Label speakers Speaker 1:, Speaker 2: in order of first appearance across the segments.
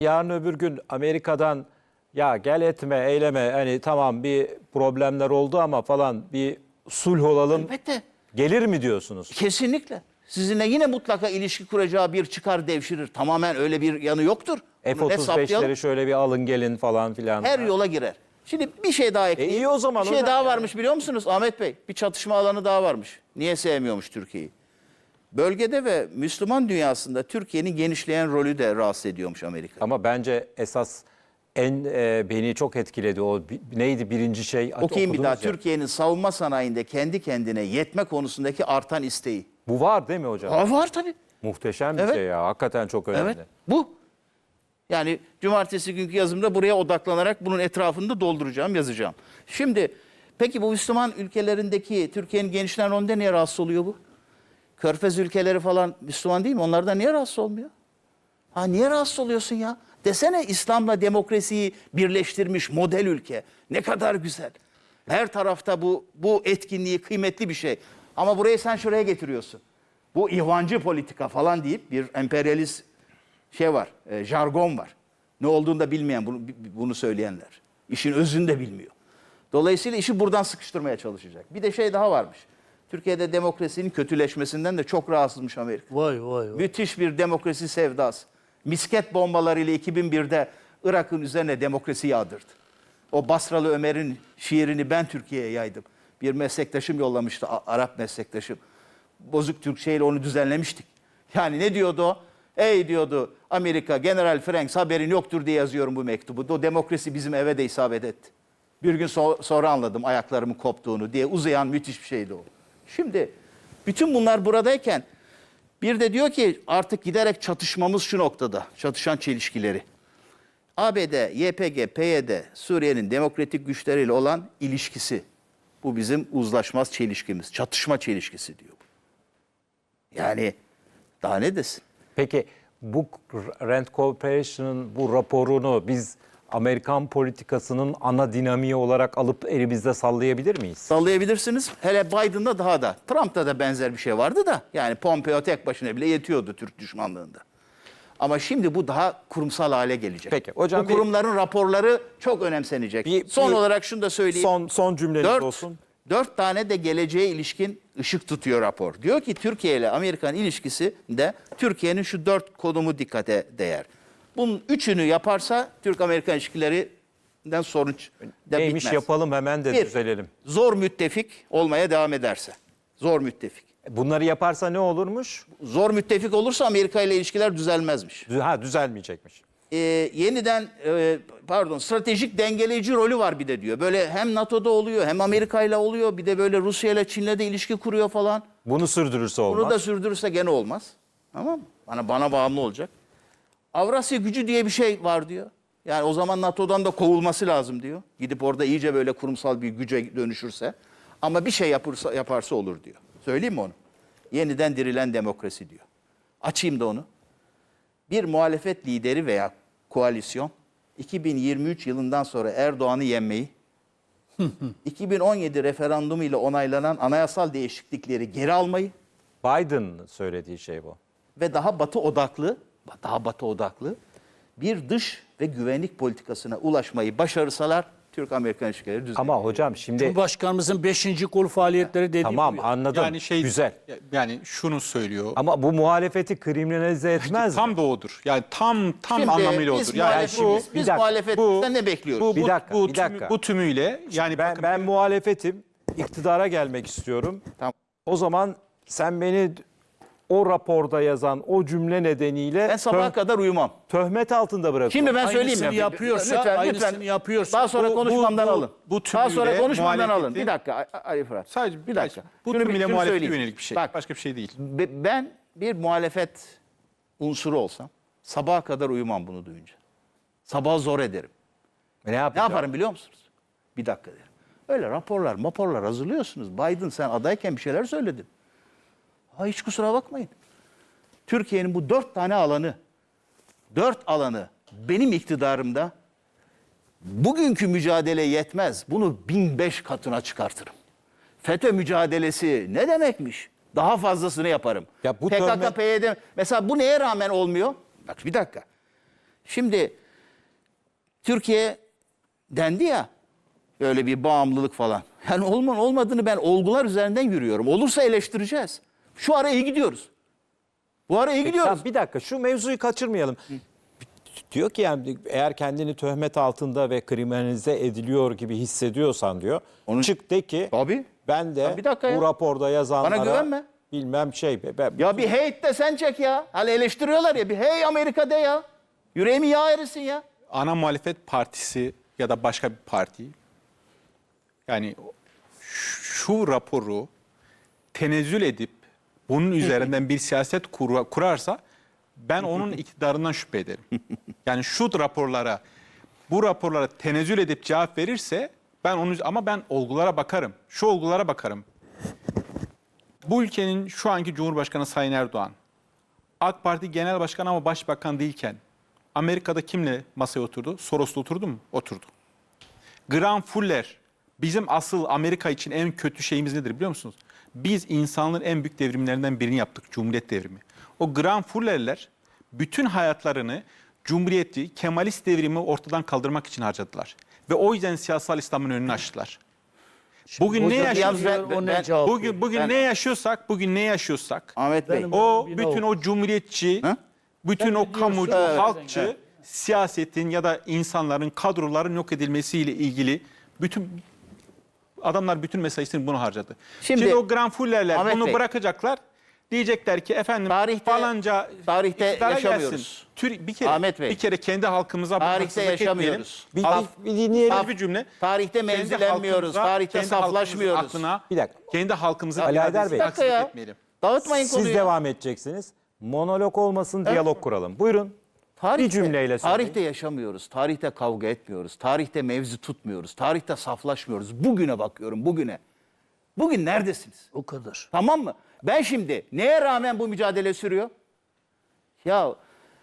Speaker 1: Yarın öbür gün Amerika'dan ya gel etme, eyleme, hani tamam bir problemler oldu ama falan bir sulh olalım
Speaker 2: Elbette.
Speaker 1: gelir mi diyorsunuz?
Speaker 2: Kesinlikle. Sizinle yine mutlaka ilişki kuracağı bir çıkar devşirir. Tamamen öyle bir yanı yoktur. Bunu net saptayalım.
Speaker 1: F-35'leri şöyle bir alın gelin falan filan.
Speaker 2: Her yola girer. Şimdi bir şey daha ekleyeyim.
Speaker 1: iyi o zaman
Speaker 2: Bir şey
Speaker 1: hocam
Speaker 2: daha
Speaker 1: yani.
Speaker 2: varmış biliyor musunuz Ahmet Bey? Bir çatışma alanı daha varmış. Niye sevmiyormuş Türkiye'yi? Bölgede ve Müslüman dünyasında Türkiye'nin genişleyen rolü de rahatsız ediyormuş Amerika.
Speaker 1: Ama bence esas beni çok etkiledi o neydi birinci şey?
Speaker 2: Okuyayım bir daha.
Speaker 1: Okudunuz ya.
Speaker 2: Türkiye'nin savunma sanayinde kendi kendine yetme konusundaki artan isteği.
Speaker 1: Bu var değil mi hocam?
Speaker 2: Var tabii.
Speaker 1: Muhteşem bir
Speaker 2: Evet.
Speaker 1: şey ya. Hakikaten çok önemli.
Speaker 2: Evet. Bu. Yani cumartesi günkü yazımda buraya odaklanarak bunun etrafını da dolduracağım, yazacağım. Şimdi peki bu Müslüman ülkelerindeki Türkiye'nin genişleyen rolünde niye rahatsız oluyor bu? Körfez ülkeleri falan Müslüman değil mi? Onlardan niye rahatsız olmuyor? Ha niye rahatsız oluyorsun ya? Desene İslam'la demokrasiyi birleştirmiş model ülke. Ne kadar güzel. Her tarafta bu etkinliği kıymetli bir şey. Ama burayı sen şuraya getiriyorsun. Bu ihvancı politika falan deyip bir emperyalist şey var, jargon var. Ne olduğunu da bilmeyen bunu söyleyenler. İşin özünü de bilmiyor. Dolayısıyla işi buradan sıkıştırmaya çalışacak. Bir de şey daha varmış. Türkiye'de demokrasinin kötüleşmesinden de çok rahatsızmış Amerika.
Speaker 3: Vay vay vay.
Speaker 2: Müthiş bir demokrasi sevdası. Misket bombalarıyla 2001'de Irak'ın üzerine demokrasi yağdırdı. O Basralı Ömer'in şiirini ben Türkiye'ye yaydım. Bir meslektaşım yollamıştı, Arap meslektaşım. Bozuk Türkçeyle onu düzenlemiştik. Yani ne diyordu o? Ey diyordu Amerika, General Franks haberin yoktur diye yazıyorum bu mektubu. O demokrasi bizim eve de isabet etti. Bir gün sonra anladım ayaklarımın koptuğunu diye uzayan müthiş bir şeydi o. Şimdi bütün bunlar buradayken bir de diyor ki artık giderek çatışmamız şu noktada. Çatışan çelişkileri. ABD, YPG, PYD, Suriye'nin demokratik güçleriyle olan ilişkisi. Bu bizim uzlaşmaz çelişkimiz. Çatışma çelişkisi diyor bu. Yani daha ne desin?
Speaker 1: Peki bu Rand Corporation'ın bu raporunu biz Amerikan politikasının ana dinamiği olarak alıp elimizde sallayabilir miyiz?
Speaker 2: Sallayabilirsiniz. Hele Biden'da daha da. Trump'ta da benzer bir şey vardı da. Yani Pompeo tek başına bile yetiyordu Türk düşmanlığında. Ama şimdi bu daha kurumsal hale gelecek.
Speaker 1: Peki, hocam
Speaker 2: bu kurumların raporları çok önemsenecek. Son olarak şunu da söyleyeyim.
Speaker 1: Son cümleniz olsun.
Speaker 2: 4 tane de geleceğe ilişkin ışık tutuyor rapor. Diyor ki Türkiye ile Amerikan ilişkisinde Türkiye'nin şu 4 konumu dikkate değer. Bunun 3'ünü yaparsa Türk-Amerikan ilişkilerinden sorun da
Speaker 1: Neymiş
Speaker 2: bitmez.
Speaker 1: yapalım hemen de düzelelim.
Speaker 2: Zor müttefik olmaya devam ederse. Zor müttefik.
Speaker 1: Bunları yaparsa ne olurmuş?
Speaker 2: Zor müttefik olursa Amerika ile ilişkiler düzelmezmiş.
Speaker 1: Düzelmeyecekmiş.
Speaker 2: Yeniden stratejik dengeleyici rolü var bir de diyor. Böyle hem NATO'da oluyor hem Amerika ile oluyor. Bir de böyle Rusya ile Çin'le de ilişki kuruyor falan.
Speaker 1: Bunu sürdürürse olmaz.
Speaker 2: Bunu da sürdürürse gene olmaz. Tamam mı? Bana bağımlı olacak. Avrasya gücü diye bir şey var diyor. Yani o zaman NATO'dan da kovulması lazım diyor. Gidip orada iyice böyle kurumsal bir güce dönüşürse. Ama bir şey yaparsa olur diyor. Söyleyeyim mi onu? Yeniden dirilen demokrasi diyor. Açayım da onu. Bir muhalefet lideri veya koalisyon 2023 yılından sonra Erdoğan'ı yenmeyi, 2017 referandumu ile onaylanan anayasal değişiklikleri geri almayı
Speaker 1: Biden'ın söylediği şey bu.
Speaker 2: ve daha batı odaklı bir dış ve güvenlik politikasına ulaşmayı başarırsalar Türk-Amerikan ilişkileri düzelir.
Speaker 1: Ama hocam şimdi
Speaker 3: Cumhurbaşkanımızın 5. kol faaliyetleri dediği
Speaker 1: tamam
Speaker 3: bu ya.
Speaker 1: anladım.
Speaker 4: Yani
Speaker 1: Güzel.
Speaker 4: Yani şunu söylüyor.
Speaker 1: Ama bu muhalefeti kriminalize etmez mi?
Speaker 4: Tam da odur. Yani tam
Speaker 2: Şimdi
Speaker 4: anlamıyla
Speaker 2: biz
Speaker 4: odur. Yani
Speaker 2: muhalefetiz.
Speaker 1: bir
Speaker 2: Biz
Speaker 1: dakika.
Speaker 2: muhalefetten ne bekliyoruz?
Speaker 1: Bir dakika.
Speaker 4: Bu tümüyle yani
Speaker 1: Ben muhalefetim, iktidara gelmek istiyorum.
Speaker 2: Tamam.
Speaker 1: O zaman sen beni o raporda yazan o cümle nedeniyle
Speaker 2: Ben sabaha kadar uyumam.
Speaker 1: töhmet altında bırakıyorum.
Speaker 2: Şimdi ben söyleyeyim
Speaker 3: Aynısını
Speaker 2: ya.
Speaker 3: yapıyorsa, aynısını yapıyorsa.
Speaker 2: Daha sonra konuşmamdan alın.
Speaker 4: bu
Speaker 2: Daha sonra
Speaker 4: tümüyle
Speaker 2: konuşmamdan alın.
Speaker 4: muhalefetin-
Speaker 2: Bir dakika Ali Fırat.
Speaker 4: sadece
Speaker 2: bir dakika.
Speaker 4: Bu
Speaker 2: Şunu
Speaker 4: tümüyle
Speaker 2: şunu
Speaker 4: muhalefete
Speaker 2: söyleyeyim.
Speaker 4: yönelik bir şey.
Speaker 2: Bak,
Speaker 4: Başka bir şey değil.
Speaker 2: ben bir muhalefet unsuru olsam sabaha kadar uyumam bunu duyunca. Sabah zor ederim.
Speaker 1: Ne
Speaker 2: Ne
Speaker 1: yapacağım?
Speaker 2: yaparım biliyor musunuz? Bir dakika derim. Öyle raporlar hazırlıyorsunuz. Biden sen adayken bir şeyler söyledin. Hiç kusura bakmayın. Türkiye'nin bu 4 alanı benim iktidarımda bugünkü mücadele yetmez. Bunu 1005 katına çıkartırım. FETÖ mücadelesi ne demekmiş? Daha fazlasını yaparım.
Speaker 1: Ya bu
Speaker 2: PKK,
Speaker 1: töhmet-
Speaker 2: PYD mesela bu neye rağmen olmuyor? Bak bir dakika. Şimdi Türkiye dendi ya, öyle bir bağımlılık falan. Yani olmadığını ben olgular üzerinden yürüyorum. Olursa eleştireceğiz. Şu ara iyi gidiyoruz. Bu ara iyi gidiyoruz.
Speaker 1: Tamam, bir dakika şu mevzuyu kaçırmayalım. Diyor ki yani eğer kendini töhmet altında ve kriminalize ediliyor gibi hissediyorsan diyor. Çık de ki
Speaker 2: Tabii.
Speaker 1: ben de
Speaker 2: Ya bir dakika ya.
Speaker 1: bu raporda yazanlara
Speaker 2: Bana güvenme.
Speaker 1: bilmem şey.
Speaker 2: Ya bir hate de sen çek ya. Hani eleştiriyorlar ya, bir hey Amerika de ya. Yüreğimi yağ erisin ya.
Speaker 4: ana muhalefet partisi ya da başka bir parti yani şu raporu tenezzül edip bunun üzerinden bir siyaset kurarsa ben onun iktidarından şüphe ederim. Yani bu raporlara tenezzül edip cevap verirse ama ben olgulara bakarım. Şu olgulara bakarım. Bu ülkenin şu anki Cumhurbaşkanı Sayın Erdoğan, AK Parti Genel Başkanı ama Başbakan değilken Amerika'da kimle masaya oturdu? Soros'la oturdu mu? Oturdu. Graham Fuller, bizim asıl Amerika için en kötü şeyimiz nedir biliyor musunuz? Biz insanlığın en büyük devrimlerinden birini yaptık, Cumhuriyet devrimi. O Graham Fuller'ler bütün hayatlarını Cumhuriyeti, Kemalist devrimi ortadan kaldırmak için harcadılar. Ve o yüzden siyasal İslam'ın önünü açtılar. Bugün ne yaşıyorsak, bugün ne yaşıyorsak,
Speaker 2: Ahmet Bey.
Speaker 4: bütün o cumhuriyetçi, bütün o kamucu,
Speaker 2: Evet.
Speaker 4: halkçı siyasetin ya da insanların, kadroların yok edilmesiyle ilgili adamlar bütün mesaisini bunu harcadı. Şimdi o Graham Fuller'ler
Speaker 2: Ahmet
Speaker 4: bunu
Speaker 2: Bey.
Speaker 4: bırakacaklar. Diyecekler ki efendim falanca
Speaker 2: tarihte
Speaker 4: iktidara
Speaker 2: yaşamıyoruz.
Speaker 4: gelsin.
Speaker 2: Ahmet Bey.
Speaker 4: Bir kere kendi halkımıza
Speaker 2: Tarihte
Speaker 4: haksızlık
Speaker 2: yaşamıyoruz.
Speaker 4: etmeyelim.
Speaker 1: Bir dinleyelim.
Speaker 4: Az bir cümle.
Speaker 2: Tarihte
Speaker 4: Kendi
Speaker 2: mevzilenmiyoruz.
Speaker 4: halkımıza,
Speaker 2: Tarihte
Speaker 4: kendi halkımızın
Speaker 2: saflaşmıyoruz.
Speaker 4: aklına,
Speaker 1: Bir dakika.
Speaker 4: kendi halkımızın
Speaker 1: Ali Haydar
Speaker 4: iradesine
Speaker 1: Bey.
Speaker 4: haksızlık
Speaker 2: ya.
Speaker 4: etmeyelim.
Speaker 2: Dağıtmayın
Speaker 1: Siz
Speaker 2: konuyu.
Speaker 1: devam edeceksiniz. Monolog olmasın, diyalog kuralım. Buyurun. Bir cümleyle söyleyin.
Speaker 2: Tarihte yaşamıyoruz. Tarihte kavga etmiyoruz. Tarihte mevzi tutmuyoruz. Tarihte saflaşmıyoruz. Bugüne bakıyorum, bugüne. Bugün neredesiniz?
Speaker 3: O kadar.
Speaker 2: Tamam mı? Ben şimdi neye rağmen bu mücadele sürüyor? Ya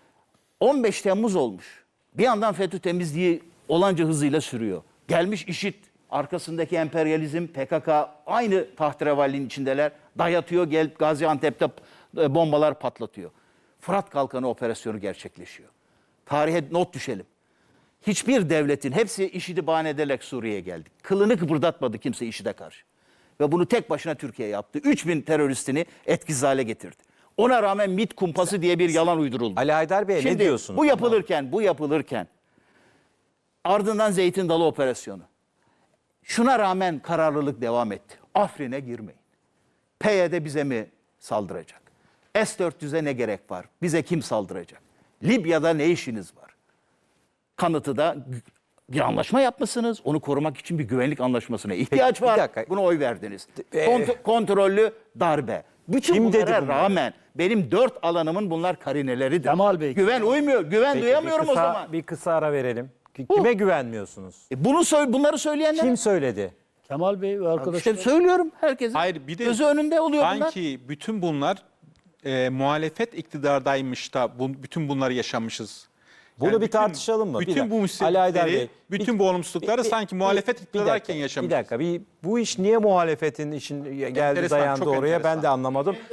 Speaker 2: 15 Temmuz olmuş. Bir yandan FETÖ temizliği olanca hızıyla sürüyor. Gelmiş IŞİD, arkasındaki emperyalizm, PKK aynı tahterevalinin içindeler. Dayatıyor, gelip Gaziantep'te bombalar patlatıyor. Fırat Kalkanı operasyonu gerçekleşiyor. Tarihe not düşelim. Hiçbir devletin, hepsi IŞİD'i bahane ederek Suriye'ye geldi. Kılını kıpırdatmadı kimse IŞİD'e karşı. Ve bunu tek başına Türkiye yaptı. 3000 teröristini etkisiz hale getirdi. Ona rağmen MİT kumpası diye bir yalan uyduruldu.
Speaker 1: Ali Haydar Bey ne
Speaker 2: Şimdi
Speaker 1: diyorsunuz?
Speaker 2: bu yapılırken ardından Zeytin Dalı operasyonu. Şuna rağmen kararlılık devam etti. Afrin'e girmeyin. PYD bize mi saldıracak? S-400'e ne gerek var? Bize kim saldıracak? Libya'da ne işiniz var? Kanıtı da bir anlaşma yapmışsınız. Onu korumak için bir güvenlik anlaşmasına ihtiyaç
Speaker 1: bir
Speaker 2: var.
Speaker 1: dakika.
Speaker 2: Buna oy verdiniz. Kontrollü darbe. Bütün
Speaker 1: Kim dedi
Speaker 2: bunlara
Speaker 1: bunları?
Speaker 2: rağmen benim 4 alanımın bunlar karineleridir.
Speaker 3: Kemal Bey.
Speaker 2: Güven uymuyor. Güven
Speaker 1: Peki,
Speaker 2: duyamıyorum o zaman.
Speaker 1: Bir kısa ara verelim. Kime güvenmiyorsunuz?
Speaker 2: Bunları söyleyenler.
Speaker 1: Kim söyledi?
Speaker 3: Kemal Bey ve arkadaşlar.
Speaker 2: İşte söylüyorum herkesin.
Speaker 4: Hayır, bir de
Speaker 2: gözü önünde oluyor bunlar.
Speaker 4: sanki bütün bunlar muhalefet iktidardaymış da bütün bunları yaşamışız.
Speaker 1: Bunu bir tartışalım mı? Bir
Speaker 4: Bütün
Speaker 1: dakika.
Speaker 4: bu
Speaker 1: Ali Haydar Bey,
Speaker 4: musibetleri, bütün bu olumsuzlukları sanki muhalefet iktidarken yaşamışız.
Speaker 1: Bir dakika. Bu iş niye muhalefetin işin geldi
Speaker 4: Enteresan,
Speaker 1: dayandı
Speaker 4: çok
Speaker 1: oraya ben
Speaker 4: enteresan.
Speaker 1: de anlamadım.